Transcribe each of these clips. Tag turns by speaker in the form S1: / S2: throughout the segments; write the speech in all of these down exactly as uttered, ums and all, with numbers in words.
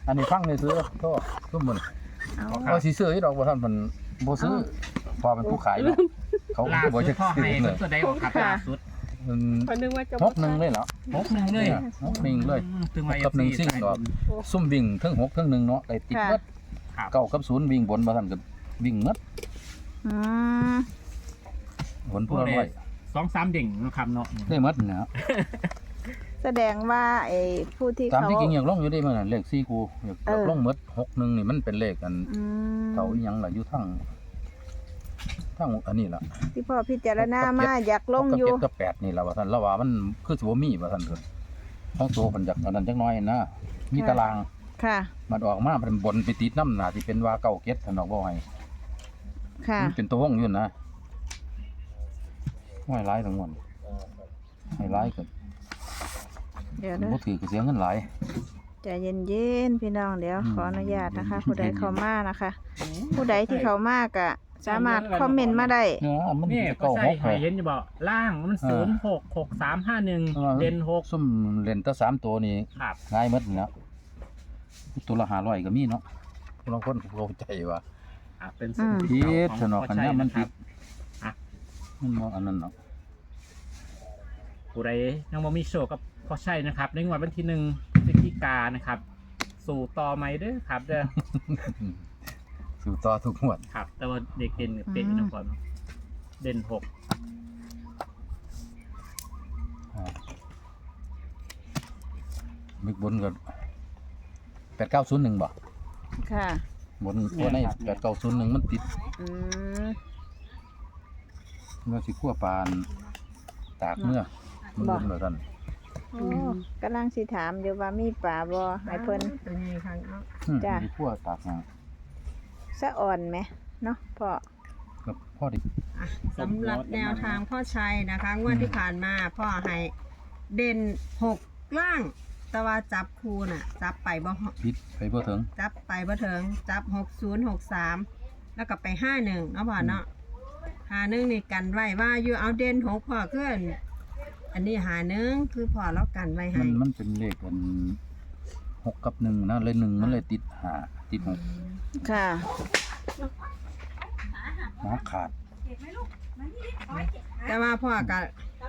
S1: อันนี้ฟังเลยซื้อโทษทุกคนเอาสิซื้อที่ดอกบ่ท่านมันบ่ซื้อพอเป็นผู้ขายเนาะเขา
S2: ล่า
S1: บ่
S2: สุ
S1: จะ
S2: ดพ่อ
S1: ซื้
S2: ให้
S1: อเลย
S2: ตัวใดออกครับล่าสุด
S1: มัน
S3: คนนึงว่าจะ
S1: หกหนึ่งเลยเหรอ
S2: หกหนึ่งเลย
S1: หกหนึ่งเลย
S2: ถึงว่า
S1: กับหนึ่งซิ่งดอกซุ่มวิ่งทั้งหกทั้งหนึ่งเนาะได้ติดเบิดเก้ากับศูนย์วิ่งบนบ่ท่านก็วิ่งหมด
S4: อืม
S1: ผลผู้ละร้อย
S2: สองสามเด่งนะครับเนาะ
S1: ได้หมดนะ
S4: แสดงว่าไอ้ผู้ที่
S1: ตาม
S4: เขา
S1: ที่จริงอยากลงอยู่ได้มื้อนั้นเลขสี่คู่อยากลงหมดหกหนึ่งนี่มันเป็นเลขกัน
S4: อืม
S1: เก่าอีหยังล่ะอยู่ทั้งทั้งอันนี้ล่ะ
S4: ที่พ่อพิจารณามาอยากลงอยู่
S1: หกกับเจ็ดกับแปดนี่ล่ะว่าท่านเราว่ามันคือสิบ่มีว่าท่านเพิ่นของตัวเพิ่นอยากอันนั้นจักหน่อยนะมีตาราง
S4: ค่ะ
S1: มันออกมาเป็นบนไปติดน้ำหนาที่เป็นว่าเก้าเก็ดท่านบอกว่าให้
S4: ค่ะ
S1: มันเป็นตัววงอยู่นะไม่ร้ายทั้งหมดไม่ร้ายเกิน
S4: เดี๋ยวนะ
S1: บ่ถือก็เสียเงินหลาย
S4: ใจเย็นๆพี่น้องเดี๋ยว
S1: อืม
S4: ขออนุญาตนะคะ ผู้ใดเข้ามานะคะ ผู้ใดที่เข้ามากะสามารถคอมเมนต์มาได้
S1: เนาะมัน
S2: นี่ก็
S1: เก้า
S2: ใช่
S1: หก
S2: ให้เห็นอยู่บ่ล่างมันศูนย์หกหกสามห้าหนึ่งเด่นหก
S1: ซุ่มเล่นแตั้สามตัวนี่
S2: ครับ
S1: ง่ายหมดนี่แล้วตัวละห้าร้อยก็มีเนาะบางคนก็เข้าใจว่า
S2: อ่ะเป็น
S4: อืม
S1: ผิดสนอกกันเนี่ยมันผิด
S2: อ่ะ
S1: มันบ่อันนั้นเนาะ
S2: ผู้ใดยังบ่มีโชคกับพ่อใช่นะครับในงวดวันที่หนึ่งพฤศจิกายนนะครับ สู่ต่อไหมเด้อครับเด้อ
S1: สู่ต่อทุกงวด
S2: ครับ แต่ว่าเด็กเด่นกับเป็นนะก่อนเนาะเด่นหก
S1: อ่ามึกบนก็แปดเก้าศูนย์หนึ่งบ่
S4: ค่ะ
S1: บนตัวในแปดเก้าศูนย์หนึ่งมันติด
S4: อืม
S1: เมื่อสิขั้วปานตากเมื่อมัน
S4: บ่
S1: บนเหมือนกัน
S4: โอ้กำลังสิถามอยู่ว่ามีป่าบ่ให้เพิ่น
S3: เป็นไงคะเนาะ
S1: อืม
S4: จ้ะ
S1: สิขั้วตากมา
S4: สะอ่อนไหมเนาะพ่อ
S1: กับพ่อดิ
S3: อ่ะสำหรับแนวทางพ่อชัยนะคะงวดที่ผ่านมาพ่อให้เด่นหกล่าง แต่ว่าจับคูน่ะ จับไปบ่
S1: พิษไปบ่ถึง
S3: จับไปบ่เถิงจับหกศูนย์หกสามแล้วก็ไปห้าหนึ่งเนาะพ่อเนาะห้าหนึ่งนี่กันไว้ว่าอยู่เอาเด่นหกพ่อขึ้นอันนี้หาหนึ่งคือพ่อแล้วกันไว้
S1: มั
S3: ให้
S1: นมันเป็นเลขกันหกกับหนึ่งนะเลยหนึ่งมันเลยติดหาติดหก
S4: ค่ะ
S1: หมาขาด
S3: แต่ว่าพ่อก็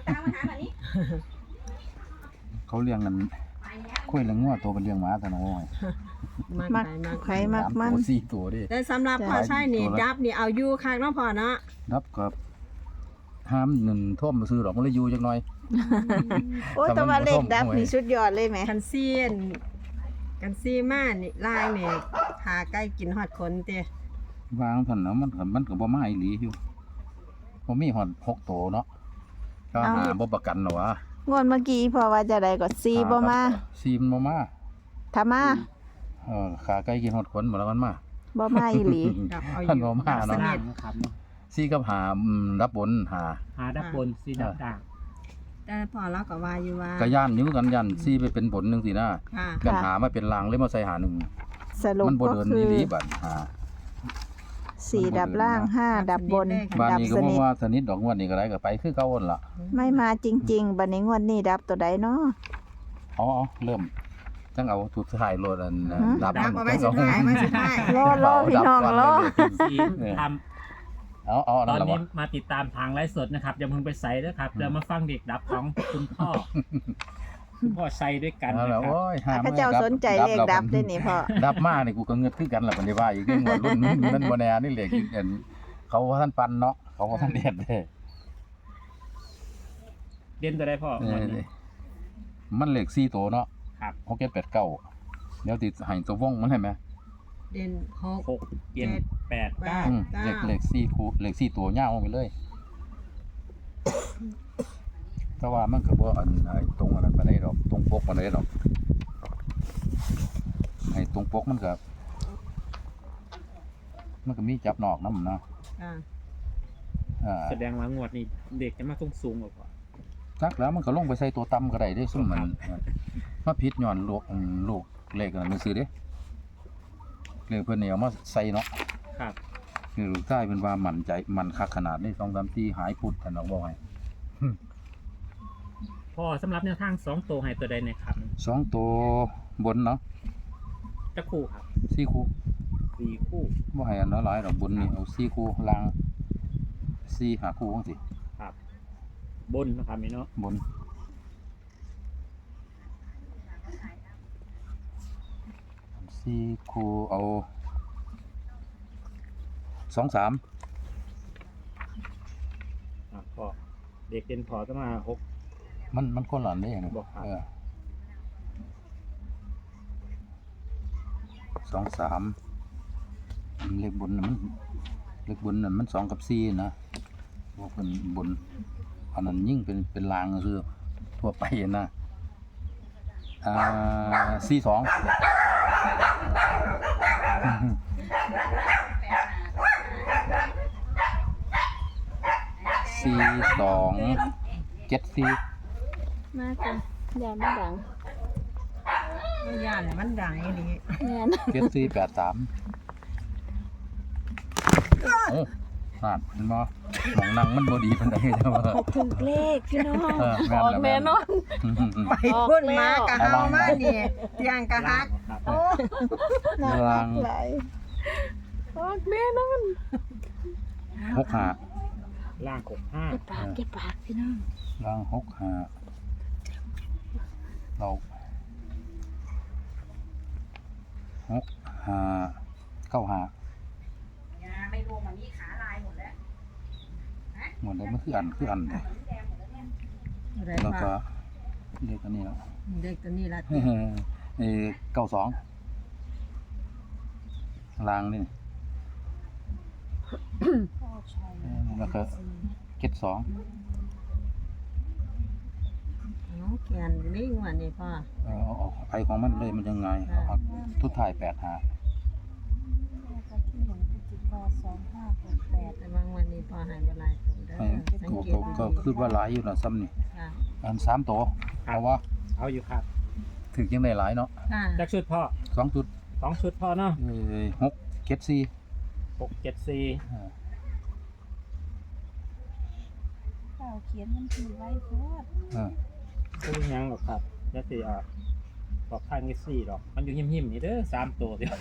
S1: เขาเลี้ยงกันคุยเรื่องงัวตัวเป็นเลี้ยงหมาแต่น้อย
S4: มัก
S3: ไปมาก
S4: ไข่มัก
S1: สาม
S4: มัน
S1: ตัวสี่ตัวดิ
S3: แต่สำหรับพ่อชัยนี่ดับนี่เอาอยู่คักเนาะพ่อเนาะ
S1: นับกับห้ามหนึ่งท่วมมาซื้อดอกมันเลยอยู่จักหน่อย
S4: โอ้แต่ว่าเลขดับนี่สุดยอดเลยไหม
S3: กันซีนกันซีมานี่ล่างนี่หาใกล้กินฮอดคนเต้
S1: วางท่านนะมันก็มันก็บ่มาอีหลีอยู่บ่มีฮอดหกตัวเนาะก็หาบ่ประกันหรอวะ
S4: งวดเมื่อกี้พ่อว่าจะได้ก็ซีบ่มา
S1: ซีมันบ่มา
S4: ถ้ามา
S1: เออขาไก่กินฮอดขนบ่แล้วมันมา
S4: บ่มาอีหลี
S3: ดับเอาอ
S1: ท่าน
S3: ยู่
S1: บ่มา
S3: ดับส
S1: เนาะ
S3: นิ
S2: ล่าง
S3: ท
S2: นะครับ
S1: ซีกับหาอืมรับบนหา
S2: หาดับบนสีดับด่าง
S3: แต่พอเราก็ว่าอยู่ว่า
S1: ก็ย่านอยู่กันย่านซีไปเป็นบนจังซี่นะ
S3: ค่ะ
S1: กันหามาเป็นลางเลยมาใส่หาหนึ่ง
S4: สรุป
S1: มันบ่
S4: ก็
S1: เดิน
S4: คื
S1: อี
S4: อ
S1: หลีบัดหา
S4: สี่ดับล่างห้าดับบน
S1: บ้าน
S4: ดับ
S1: นี้ก็
S4: ส
S1: บ่
S4: นิท
S1: ว่าสนิทดอกงวดนี้ก็ได้ก็ไปคือเก่าหั่นล่ะ
S4: ไม่มาจริงๆบัดนี้งวดนี้ดับตัวใดเนาะ
S1: เอาเอาเริ่มจังเอาทุดท้ายโลดอันน่ะ
S4: หือ
S1: ดับ
S3: ดับ
S1: มัน
S3: เอาไว้สุดท้ายไว้สุดท้าย
S4: รอรอพี่น้องรอ
S2: สีทำ
S1: เอาเอา
S2: ต
S1: นั่
S2: อน น
S1: ล่ะ
S2: นี้
S1: บ่
S2: มาติดตามทางไลฟ์สดนะครับอย่าเพิ่งไปใส่นะครับเดี๋ยวมาฟังเด็กดับของคุณพ่อคุณพ่อใส่ด้วยกัน
S1: เอา
S2: นะ
S1: ล่ะ
S2: ครับ
S1: โอ้ยหา
S4: พระเจ้าสนใจเลขดับด้วยนี่พ่อ
S1: ดับมานี่กูก็เงือดคือกันล่ะบัดนี้ว่าอีกเรื่องว่ารุ่นมันบ่แน่นี่เลขอีกอันเขาว่าท่านปันเนาะเขาว่าท่านเด็ดเด้
S2: เด่นจะได้พ่อ
S1: เอ
S2: วัน
S1: อ
S2: นี้
S1: มันเลขสี่ตัวเนาะ
S2: ครับ
S1: หกเจ็ดแปดเก้าเดี๋ยวติดให้ตัววงมันให้ไหม
S3: เด่นหก
S2: หกเจ็ดแปดเก้า
S1: อืม
S3: เก้า
S1: เลขเลขสี่คู่เลขสี่ตัวยาวไปเลยแต่ว่ามันก็บ่อันไอ้ตรงอันนั้นปานใดดอกตรงปกปานใดดอกไอ้ตรงปกมันก็มันก็มีจับนอกนำเนาะ
S3: อ่า
S1: อ่า
S2: แสดงว่างวดนี้เด็กจะมาสูงสูงกว่า
S1: จักแล้วมันก็ลงไปใส่ตัวต่ำก็ได้เด้ซุ่มมันมาผิดย้อนลูกอืมลูกเลขอันนั้นซื่อเด้เลขเพิ่นนี่เอามาใส่เนาะ
S2: ครับ
S1: นี่ลูกชายเพิ่นว่ามั่นใจมั่นคักขนาดนี้สองสามสี่หายพุดท่านเอาบ่ให้
S2: พ่อสำหรับแนวทางสองตัวให้ตัวใดเนยครับ
S1: สองตัวบนเนาะ
S2: จะคู่ครับ
S1: สี่คู่
S2: สี่คู่
S1: บ่ให้อันละหลายดอกบนนี่เอาสี่คู่ล่างสี่หาคู่จังซี่
S2: ครับ บนนะครับนี่เนาะ
S1: บนสี่คู่เอาสองสาม
S2: อ่ะพอเด็กเด่นพอจะมาหก
S1: มันมันคนละอันได้นะ
S2: บ่ครับ
S1: เออสองสามเลขบนน่ะมันเลขบนน่ะมันสองกับสี่นะพวกเป็นบนอันนั้นยิ่งเป็นเป็นลางคือทั่วไปนะอ่าสี่สองสี่สองเจ็ดสี่
S4: มากจ้ะอย่ามาดัง
S3: ไม่ย่านมันดังอีหลี
S4: แม่น
S1: เจ็ดสี่แปดสามโอ้นาดเห็นบ่หมองนั่งมันบ่ดีปานใดเด้อว่า
S4: ถ้าถึกเลขพี่น้อง
S1: เออแม่น
S4: ออก
S1: แล้ว
S4: แน่นอน
S1: อืมๆ
S3: ไปพุ่นมากะเฮามานี่เตียงกะฮัก
S2: ครับ
S3: โอ้
S4: น่ารักหลายออกแน่นอน
S1: ๆหกห้า
S2: ล่างหกห้า
S4: เก็บปากเก็บปากพี่น้อง
S1: ล่างหกห้าเราหกห้าเก้าห้าไม่รวมมันมีขาลายหมดแล้วหมดแล้วมันคืออันคืออันเลย
S3: อะไร
S1: แล้วก็
S3: บ้าง
S1: เรียกอันนี้แล้ว
S3: เด็กตัวนี้ละ
S1: เออเก้าสองลางนี่แล้วก็เจ็ดสอง
S3: น้องแกนลิงวันนี้พ่อ
S1: เออเอาเอาไปของมันเลยมันยังไงเอาทุกถ่ายแปดหา
S3: แต่บางวันนี้พ่อใหายเวลาตัวเด้อ
S1: ไอ้
S3: สัง
S1: ก็
S3: เก
S1: ก็
S3: ต
S1: ก็คือว่าหลายอยู่นะซ้ำนี่
S3: ค่ะ
S1: อันสามตัวเอาว่า
S2: เอาอยู่ครับ
S1: ถึงยังได้หลายเนาะ
S3: ค่ะ
S2: จักชุดพ่อ
S1: สองจุด
S2: สองชุดพ่อเนาะ
S1: เอ้ยหกเจ็ดสี่
S2: หกเจ็ดสี่
S1: อ่า
S4: เจ้าเขียนมันทีไว้โพด
S1: อ่า
S2: คู่ยังหรอกครับจะสิอ่ะบอกข้างนี้สี่หรอกมันอยู่หิมหิมๆนี่เด้อสามตัวเดียว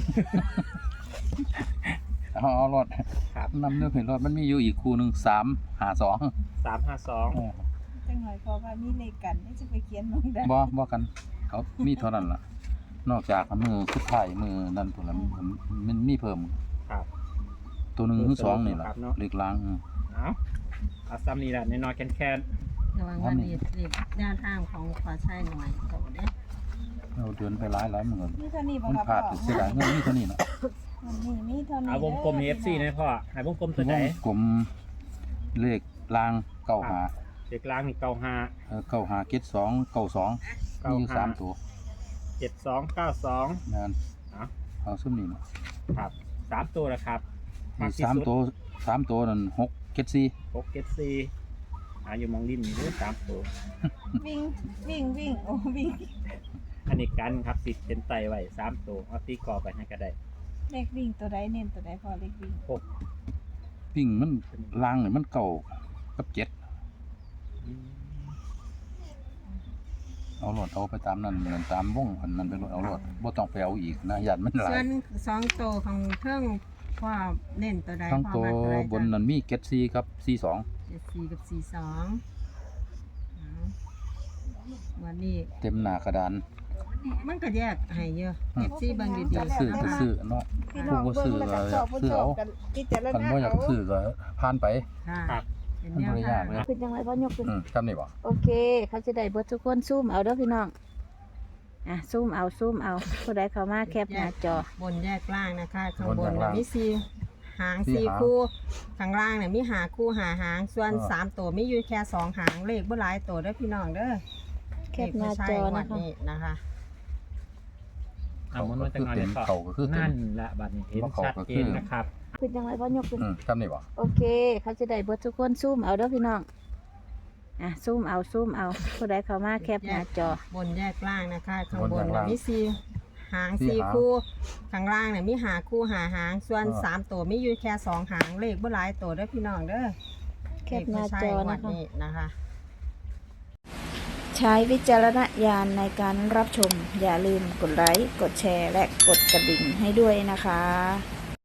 S1: เอาเอารถ
S2: ครับ
S1: นำเนื้อเห็นรถมันมีอยู่อีกคู่หนึ่งสามหาสอง
S2: สามห้าสอง
S1: เออ
S5: จังหน่อยเพราะว่ามีเลขกันนี่จะไปเขียนมองได้
S1: บ่บ่กันเขามีเท่านั้นล่ะ นอกจากมือสุดท้ายมือนั่นตัวละมันมันมีเพิ่ม
S2: ครับ
S1: ตัวหนึ่งหรือสองนี่ล่ะ
S2: ครับเนาะ
S1: เล็กล้างอืม
S2: เอาเอาซ้ำนี่แหละน้อยๆแคน
S3: แต่บางวันนี้เด็กด้านทางของขอใช้หน่อยโตเด้อ
S1: เราเดินไปหลายหลายมือ
S5: มีเท่านี้บ่
S1: มัน
S5: ครับ
S1: พลาด
S5: พ่อ
S1: เสียดายเงินมีเท่านี้น่ะ
S5: วันนี้มีเท่า
S2: ๆ
S5: นี้
S2: เอาวงกลมเอฟซีนะพ่อให้วงกลมตัวไหน
S1: กลมเลขล้างเก้าหา
S2: เด็กล่างนี่เก้าห้า
S1: เออเก้าหาเจ็ดสองเก้าสองมีอยู่สามตัว
S2: เจ็ดสองเก้าสอง
S1: นั่น
S2: เอา
S1: เอาซุ่มนี่น่ะ
S2: ครับสามตัวละครับ
S1: มีสามตัวสามตัวนั่นหกเจ็ดสี่
S2: หกเจ็ดสี่อาอยู่มองริมนี่เด้อสามตัว
S5: วิ่งวิ่งวิ่งโอ้วิ่ง
S2: อันนี้กันครับติดเป็นไตไว้สามตัวเอาตีกรอบไปให้ก็ได้
S5: เลขวิ่งตัวใดเน้นตัวใดพ่อเลขวิ่ง
S2: หก
S1: ปิ้งมันล้างนี่มันเก่ากับเจ็ดเอารถเอาไปตามนั้นเหมือนตามวงอันนั้นไปรถเอารถบ่ต้องไปเอาอีกนะยันมันหลา
S3: ส่
S1: ย
S3: วนสองโตของเครื่องพ่อเน้นตัวใด
S1: ทั้ง
S3: พ่อ
S1: ตัว
S3: มาตัวใด
S1: บนนั้นมีเจ็ดสี่ครับสี่สอง
S3: เจ็ดสี่กับสี่สองเอาวันนี้
S1: เต็มหน้ากระดาน
S3: มันก็แยกให้เยอะเจ็ดสี่เบางดี
S1: อยากซื้อก็ซื้อเนาะ
S5: พี่น้อง
S1: ผู้บ่ซื้
S5: เบิ่
S1: อง
S5: แล้ว
S1: ก็
S5: ก็ชอบบ่ชอบ
S1: ซื้อเอา
S5: กันพิจาร
S1: คัน
S5: ณา
S1: บ่อยาก
S5: เอา
S1: ซื้อก็ผ่านไป
S3: ๆค่ะ
S2: ครับ
S3: เป็น
S1: มัน
S3: แน
S1: บ่
S3: ว
S1: ได้
S3: ทาย
S1: าง กเลย
S4: คือจังไรพ่อยกขึ้น
S1: อืมจำได้บ่
S4: โอเค เขาจะได้เบิดทุกคนซูมเอาเด้อพี่น้องอ่ะซูมเอาซูมเอาผู้ใดเข้ามาแคปหน้าจอบ
S3: นแยกล่างนะคะข้างบน
S1: บนแยกล่าง
S3: มีสี่หาง
S1: สี่
S3: สี่
S1: หาง
S3: คู่ข้างล่างเนี่ยมีหาคู่หาหาง ส่วน
S1: อ่า
S3: สามตัวมีอยู่แค่สองหางเลขบ่หลายตัวเด้อพี่น้องเด้อ
S4: แคปหน้าจอ
S3: เลขบ่ใช่งว
S4: นะ
S3: ด
S4: คะ
S3: นี้นะคะ
S2: เอามันมาจากไหนเลยพ่อ
S1: เขาก็คือเต็ม
S2: นั่นแหละบัดนี้เห็น
S1: ว่าเขา
S2: ชัด
S1: ก็
S2: เจ
S1: คือ
S2: นนะครับ
S4: คือจังไรพ่อยกขึ้น
S1: อืมจำได้บ่
S4: โอเค เขาจะได้เบิดทุกคนซูมเอาเด้อพี่น้องอ่ะซูมเอาซูมเอาผู้ใดเข้ามาแคปหน้าจอบ
S3: นแยกล่างนะคะข้างบน
S1: บนแยก
S3: เนี่ย
S1: ล่าง
S3: มีสี่หาง
S1: สี่
S3: สี่
S1: หาง
S3: คู่ข้างล่างเนี่ยมีหาคู่หาหาง ส่วน
S1: อ่า
S3: สามตัวมีอยู่แค่สองหางเลขบ่หลายตัวเด้อพี่น้องเด้อ
S4: แคปหน้าจอ
S3: เลขบ่ใช่งว
S4: นะ
S3: ด
S4: คะ
S3: นี้นะคะ
S2: ส
S4: ใช้วิจารณญาณในการรับชม อย่าลืมกดไลค์ กดแชร์ และกดกระดิ่งให้ด้วยนะคะ